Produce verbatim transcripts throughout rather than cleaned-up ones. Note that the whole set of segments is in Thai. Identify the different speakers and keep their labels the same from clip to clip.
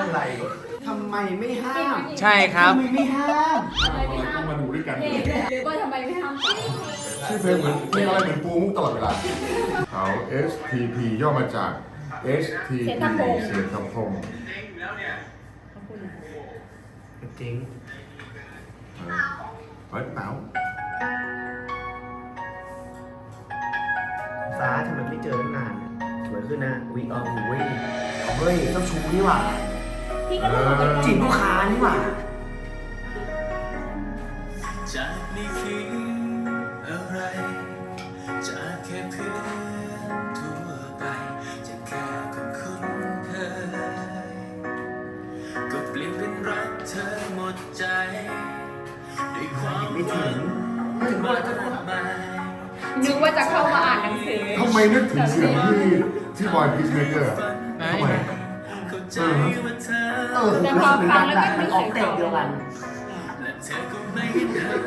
Speaker 1: อะไรทำไมไม่ห้าม
Speaker 2: ใช่ครับ
Speaker 1: ทำไมไม่ห้าม
Speaker 3: ต้องมาดูด้วยกัน
Speaker 4: หรือว่าทำไมไม่ห้าม
Speaker 3: ชื่อเพลงเหมือนเพลงอะไรเหมือนปูมุกตลอดเวลาเขา เอส ที พี ย่อมาจาก เอส ที พี เสียงคำพง
Speaker 1: จริง
Speaker 3: เฮ้ยเต๋า
Speaker 1: ฟ้าทำไมไม่เจอตั้งนานสวยขึ้นนะวิเอาเว้ยเฮ้ยเจ้าชู้นี่หว่า
Speaker 4: พี่ก็ต้องบอก
Speaker 1: จีบลูกค้านี่หว่า
Speaker 5: จากนี่คืออะไรจากแค่เพื่อนทั่วไปจากแค่คนคุ้นเคยก็เปลี่ยนเป็นรักเธอหมดใจด้วยความ
Speaker 1: ไม่ถึงไม่ถึง
Speaker 5: มาม
Speaker 1: าก จะ
Speaker 5: มาย
Speaker 4: นึกว่าจะเข้ามาอ่านหนังสือ
Speaker 3: ทำไมนึกถึงเสียงที่ที่บอยพีชเมเกอร์ทำไม
Speaker 5: เข้าใจว่าเธอ
Speaker 1: เออคือรู้สึกเหมือนกันแบบมันออกเตะเดียวกัน
Speaker 5: และเธอก็ไม่เห็นเธอ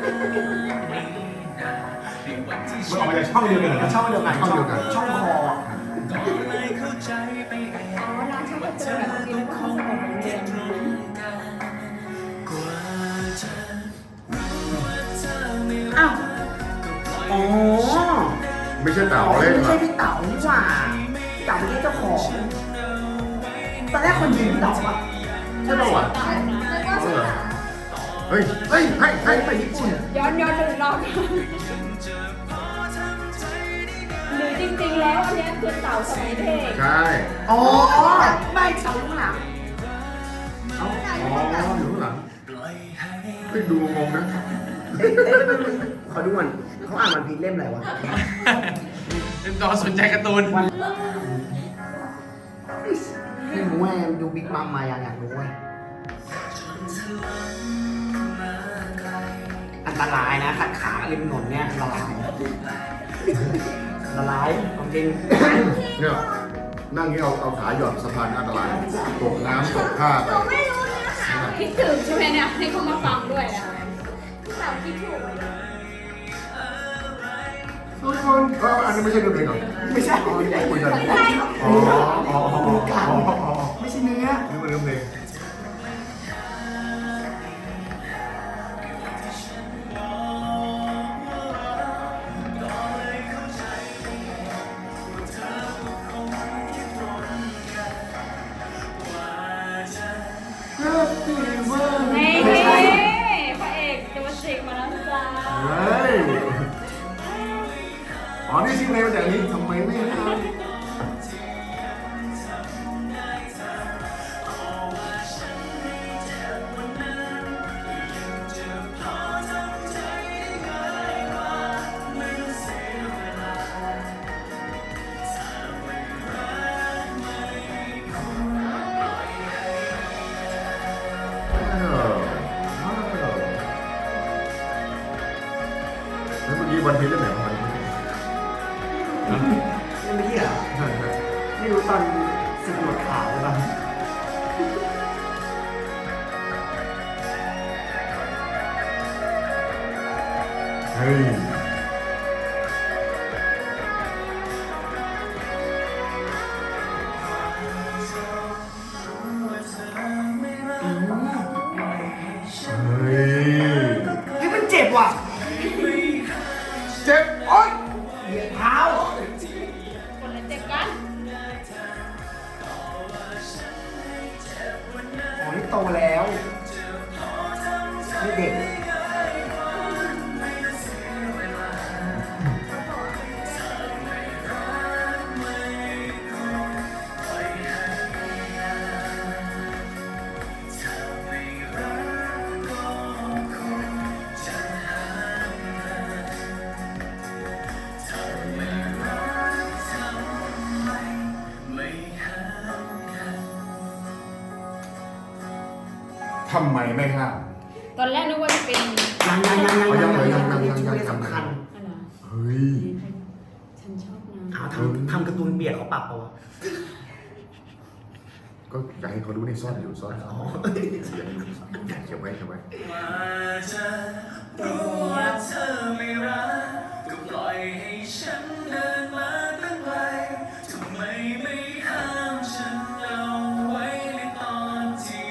Speaker 5: ในวันที่
Speaker 3: มันออกมาจากช่องเดียวกันเหรอ
Speaker 1: ช่องเดียวกัน
Speaker 3: ช่องเดียวกัน
Speaker 1: ช่องคอ
Speaker 5: ก็เลยเข้าใจไปเอง
Speaker 4: อ๋อร้านช่างกระตุ้นแบบนี้แล้วก็ห้องสมุดเหมือนเดิม
Speaker 5: กว่าจะรู้ว่าเธอไม่รั
Speaker 1: อ้าก ว
Speaker 5: ก็ปล่อย
Speaker 1: อ๋อ
Speaker 3: ไม่ใช่เต๋า
Speaker 1: อ๋อ
Speaker 3: เล่น
Speaker 1: ไม่
Speaker 3: หร
Speaker 1: ใช่
Speaker 3: อ
Speaker 1: พี่เต๋านี่หว่าพี่เต๋าไม่ใช่เจ้าของตอนแรกคนยิงพี่เต๋าอะ
Speaker 3: ใช่ป่าวะ
Speaker 4: ตายนะ
Speaker 3: เอาเหรอเฮ้ย เฮ้ยให้ให้
Speaker 1: ไปญี่ปุ่น
Speaker 4: ย้อนย้อนดูรอบหรือจริงๆแล้วอันเนี้ยคือเต่าสมัยเด็ก
Speaker 3: ใช่
Speaker 1: อ๋อไม่เต๋าลูกหลัง
Speaker 3: อ๋ออยู่ข้างหลัง
Speaker 5: ปล่อยให้
Speaker 3: ไม่ดูงงนะ
Speaker 1: เอ๊ะเอ๊ะขอดูก่อนเขาอ่านวันพีชเล่มอะไรวะ
Speaker 2: เป็นตอนสนใจการ์ตูน
Speaker 1: ไม่รู้ไงดูบิ๊กมัมมายังอยากรู้ไงอันตรายนะขัดขาริมถนนเนี่ยอันตรายอันตรายของจริง
Speaker 3: เนี่ยนั่งนี่เอาเอาขาหย่อนสะพานอันตรายตกน้ำตกท่าไป
Speaker 4: คิดถึงใช่ไหมเนี่ยให้เขามาฟังด้วยนะเต่าคิดถูกเลย
Speaker 3: ทุกคนเอออันนี้ไม่ใช่เนื้อเพลงเหรอ
Speaker 1: ไม่ใช่
Speaker 3: อ๋อนี่คุยกัน
Speaker 1: ไม่ใช่
Speaker 3: อ๋ออ๋ออ๋ออ๋ออ๋อ
Speaker 1: ไม่ใช่เนื้อ
Speaker 3: นี่มันเนื้อเพลง
Speaker 4: นี่พระเอกตัวสิกมาแล้วจ้า
Speaker 3: เฮ้ยอ๋อนี่ชื่อเพลงมาจากนี้ทำไมไม่ห้าม แล้วเมื่อกี้วันพีชเล่นไหนของมัน
Speaker 1: นี่ไม่ใช่เหรอ
Speaker 3: ใช่ใช่
Speaker 1: ไม่รู้ตอนสึกหมดขาวหรือเปล่า
Speaker 3: เฮ้ยเฮ้ย
Speaker 1: เฮ้ยมันเจ็บว่ะ
Speaker 3: เจ็บโอ๊ย
Speaker 1: เหยียดเท้า
Speaker 4: คนละเจ็บกัน
Speaker 1: อ๋อนี่โตแล้วไม่เด็ก
Speaker 3: ทำไมไม่ห้าม
Speaker 4: ตอนแรกนึกว่าจะเป็น
Speaker 1: ยังยังยังยัง
Speaker 3: ยั
Speaker 1: ยัง ง
Speaker 3: เลย
Speaker 1: ยัง
Speaker 3: ยัง
Speaker 1: ยัง
Speaker 3: ยัง
Speaker 1: ยัง
Speaker 3: ยัง
Speaker 1: สำคัญ
Speaker 4: อะไร
Speaker 3: เฮ้ย
Speaker 4: ฉันชอบนะ
Speaker 1: อ้าวทำทำการ์ตูนเบียดเขาปรับเปล่าวะ
Speaker 3: ก็อยากให้เขารู้ในซ่อนอยู่ซ่อน
Speaker 1: อ๋อ
Speaker 3: เก็บไว้เก็บไว้
Speaker 5: ว่าจะรู้ว่าเธอไม่รักก็ปล่อยให้ฉันเดินมาตั้งไกลทำไมไม่ห้ามฉันเอาไว้ในตอนที่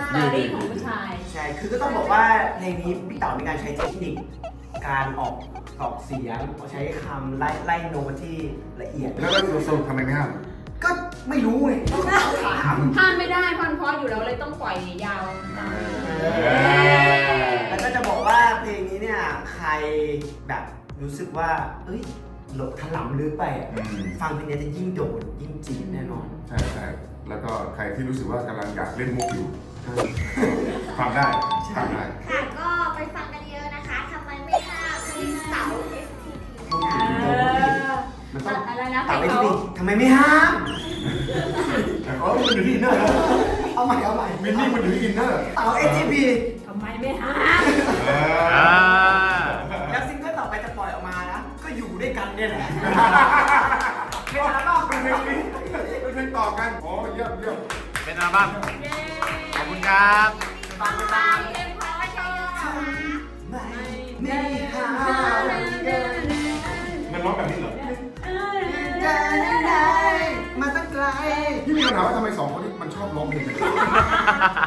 Speaker 4: สตอรี่ของผู้ชาย
Speaker 1: ใช่ คือก็ต้องบอกว่าเพลงนี้พี่เต๋ามีการใช้เทคนิคการออกออกเสียงใช้คำไล่ไล่โน้ตที่ละเอียด
Speaker 3: แล้วก็สรุปทำไมไม่ห้าม
Speaker 1: ก็ไม่รู้ไงต้องถาม
Speaker 4: ห้ามไม่ได้เพราะเพราะอยู่แล้วเลยต้องปล่อยยาว
Speaker 1: แล้วก็จะบอกว่าเพลงนี้เนี่ยใครแบบรู้สึกว่าเอ้ยหลบถลำลึกไปอะ
Speaker 3: อืม
Speaker 1: ฟังเพลงนี้จะยิ่งโดนยิ่งจีบแน่นอน
Speaker 3: ใช่ใช่แล้วก็ใครที่รู้สึกว่ากำลังอยากเล่นมุกอยู่ฟังได้ฟังได้
Speaker 6: ค่ะก็ไปฟังกันเยอะนะคะทำไมไม่ห้ามที่เสา เอส ที พี
Speaker 1: พูดถึง
Speaker 4: เอ
Speaker 1: โดน
Speaker 4: อ
Speaker 1: มันต้อง
Speaker 4: อะไรนะเพล
Speaker 1: ตาม
Speaker 4: ง
Speaker 1: ไป
Speaker 4: เขา
Speaker 1: ที่ทำไมไม่ห้าม
Speaker 3: แต่เขามันอยู่ที่อินเนอร์นะ
Speaker 1: เอาใหม่เอาใหม่
Speaker 3: มินนี่มันอยู่ที่อินเนอร์
Speaker 1: เต๋า เอส ที พี
Speaker 4: ทำไมไม่ห้าม
Speaker 2: อ่า
Speaker 1: แล้วซิงเกิลต่อไปจะปล่อยออกมานะ ก็อยู่ด้วยกันเนี่ยแหละเป็นอัลบั้ม
Speaker 3: เป็นเพลงนี้เป็นเพลงต่อกันอ๋อเยี่ยมเยี่ยม
Speaker 2: เป็นอัลบั้มขอบคุณครับ
Speaker 1: ฟังไปตาม
Speaker 6: เพลงเพราะว่าเยอะๆนะคะ
Speaker 1: ไม่ไม่ห้าม
Speaker 3: มันร้องแบบนี้เหรอ
Speaker 1: จะได้มาตั้งไกล
Speaker 3: พี่มีคำถามว่าทำไมสองคนนี้มันชอบร้องเพลงกัน